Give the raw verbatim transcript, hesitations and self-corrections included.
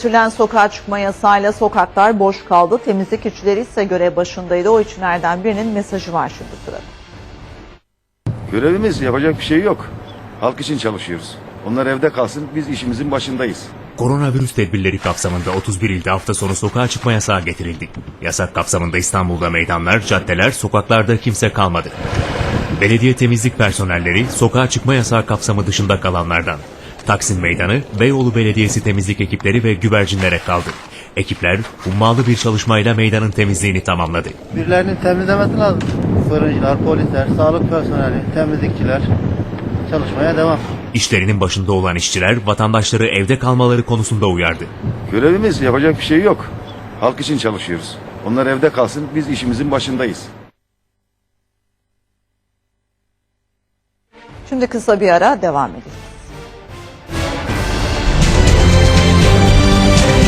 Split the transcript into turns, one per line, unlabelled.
Getirilen sokağa çıkma yasağıyla sokaklar boş kaldı. Temizlik işçileri ise görev başındaydı. O işçilerden birinin mesajı var şimdi sırada.
Görevimiz, yapacak bir şey yok. Halk için çalışıyoruz. Onlar evde kalsın, biz işimizin başındayız.
Koronavirüs tedbirleri kapsamında otuz bir ilde hafta sonu sokağa çıkma yasağı getirildi. Yasak kapsamında İstanbul'da meydanlar, caddeler, sokaklarda kimse kalmadı. Belediye temizlik personelleri sokağa çıkma yasağı kapsamı dışında kalanlardan. Taksim Meydanı, Beyoğlu Belediyesi temizlik ekipleri ve güvercinlere kaldı. Ekipler hummalı bir çalışmayla meydanın temizliğini tamamladı.
Birilerinin temizlemesi lazım. Fırıncılar, polisler, sağlık personeli, temizlikçiler çalışmaya devam.
İşlerinin başında olan işçiler vatandaşları evde kalmaları konusunda uyardı.
Görevimiz, yapacak bir şey yok. Halk için çalışıyoruz. Onlar evde kalsın, biz işimizin başındayız.
Şimdi kısa bir ara, devam edelim.